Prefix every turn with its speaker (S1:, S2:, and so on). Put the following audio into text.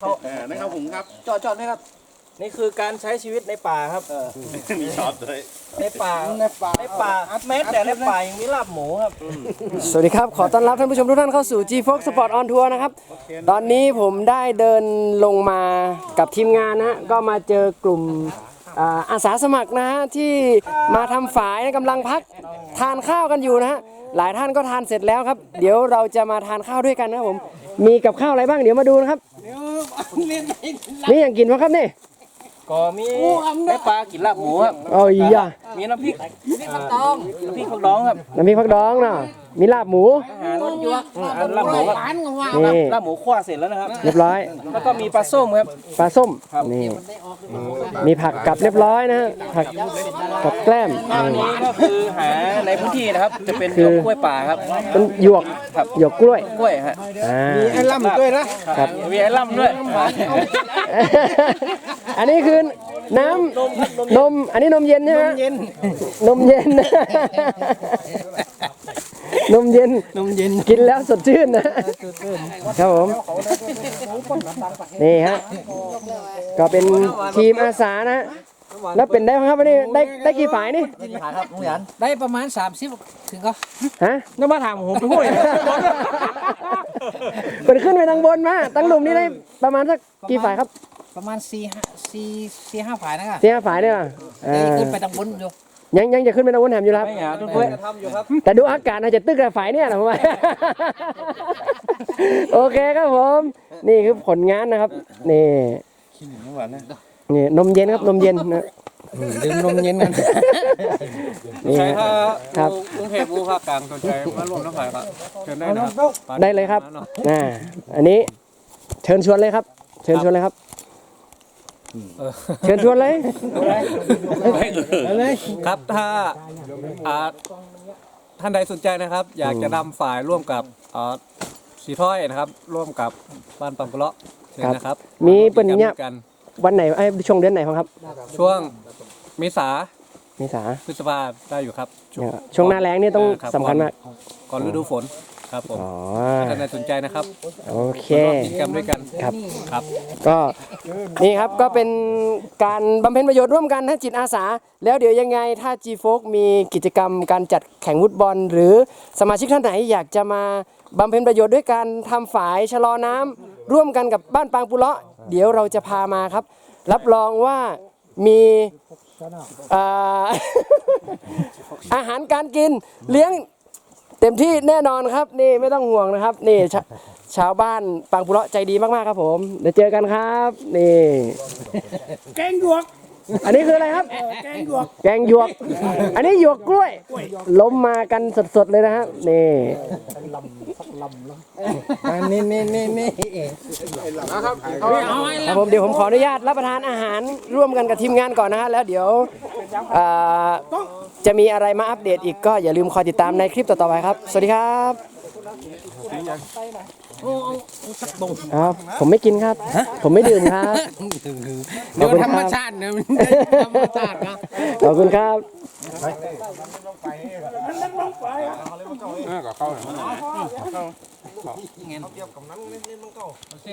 S1: นะครับผมครับ
S2: จอดไหมครับนี่คือการใช้ชีวิตในป่าครับ
S1: มีช็อตเลย
S2: ในป่าแม้แต่ในป่ายังมีลาบหมูครับ
S3: สวัสดีครับขอต้อนรับท่านผู้ชมทุกท่านเข้าสู่ G-Fox Sport on Tour นะครับตอนนี้ผมได้เดินลงมากับทีมงานนะก็มาเจอกลุ่มอาสาสมัครนะฮะที่มาทำฝายกำลังพักทานข้าวกันอยู่นะฮะหลายท่านก็ทานเสร็จแล้วครับเดี๋ยวเราจะมาทานข้าวด้วยกันนะครับผมมีกับข้าวอะไรบ้างเดี๋ยวมาดูนะครับนี่อย่างกินวะครับนี่
S2: ก็มีในป่ากินลาบหมูครับ
S3: โอ้ยอ่ะ
S2: มีน้ำพริกผักดองน้ำพริกผักดองครับ
S3: น้ำพริกผักดองเนาะมีลาบหมู
S2: ลาบหมูครับ
S3: นี่
S2: ลาบหมูคั่วเสร็จแล้วนะครับ
S3: เรียบร้อย
S2: แล้วก็มีปลาส้มครับ
S3: ปลาส้มนี่มีผักกับเรียบร้อยนะฮะผักกับแกล้ม
S2: อันนี้ก็คือหาในพื้นที่นะครับจะเป็นหยวกกล้วยป่าครับ
S3: เป็นหยวกหยวกกล้วย
S2: ฮะ
S3: มี
S2: ไอ้ล่ำด้วยนะครับมีไอ้ล่ำด้วย
S3: อันนี้คือน้ำนมอันนี้นมเย็นใช่ไหมนมเย็นนมเย็นกินแล้วสดชื่นนะครับผมนี่ฮะก็เป็นทีมอาสานะแล้วเป็นได้ครับวันนี้ได้กี่ฝ่ายนี่
S4: ได้ประมาณ30ถึงก็
S3: ฮะ
S2: น้ำมาถามผมไปพูด
S3: เป็นขึ้นไปทางบนมาตั้งหลุมนี้ได้ประมาณสักกี่ฝ่ายครับ
S4: ประมาณ4-5ฝ่ายนะครับ
S3: 4-5ฝ่ายเนี่ย
S4: ขึ้นไปทางบนอยู่
S3: ยังจะขึ้นไปทางบนแหมอยู่ครับแต่ดูอากาศอาจจะตึกกับฝ่ายเนี่ยนะผมว่าโอเคครับผมนี่คือผลงานนะครับนี่นี่นมเย็นครับนมเย็นนะ
S2: ดื่มนมเย็นกัน
S3: นี่ครับ
S2: กรุงเทพภาคกลางสนใจมาร่วมน้ำฝ่ายครับเชิญได้นะครับ
S3: ได้เลยครับอันนี้เชิญชวนเลยครับเชิญชวนเลยครับเชิญชวนเลย
S2: ครับถ้าท่านใดสนใจนะครับอยากจะนำฝ่ายร่วมกับสีถ้อยนะครับร่วมกับบ้านปังกุเลาะเชิญนะครับ
S3: มีเป็นเนี่ยวันไหนช่วงเดือนไหนครับ
S2: ช่วงเมษาพฤษภาได้อยู่ครับ
S3: ช่วงหน้าแล้งนี่ต้องสำคัญมาก
S2: ก่อนฤดูฝนครับผมท่านใดสนใจนะครับ
S3: โอเค
S2: กิจกรรมด้วยกัน
S3: ครับก็นี่ครับก็เป็นการบำเพ็ญประโยชน์ร่วมกันนะจิตอาสาแล้วเดี๋ยวยังไงถ้า G-Fox มีกิจกรรมการจัดแข่งฟุตบอลหรือสมาชิกท่านไหนอยากจะมาบำเพ็ญประโยชน์ด้วยการทำฝายชะลอน้ำร่วมกันกับบ้านปางปุเลาะเดี๋ยวเราจะพามาครับรับรองว่ามีอาหารการกินเลี้ยงเต็มที่แน่นอนครับนี่ไม่ต้องห่วงนะครับนี่ชาวบ้านปางปุเลาะใจดีมากๆครับผมเดี๋ยวเจอกันครับนี่
S4: แกงหยวก
S3: อันนี้คืออะไรครับแกงหยวกอันนี้หยวกกล้วยล้มมากันสดๆเลยนะครับนี่ครับผมเดี๋ยวผมขออนุญาตรับประทานอาหารร่วมกันกับทีมงานก่อนนะฮะแล้วเดี๋ยวจะมีอะไรมาอัปเดตอีกก็อย่าลืมคอยติดตามในคลิปต่อๆไปครับสวัสดีครับผมไม่กินครับผมไม่ดื่มครับ
S4: เดี๋ยวธรรมชาตินะธรรมชาตินะ
S3: ขอบคุณครับ
S1: ก็เข้า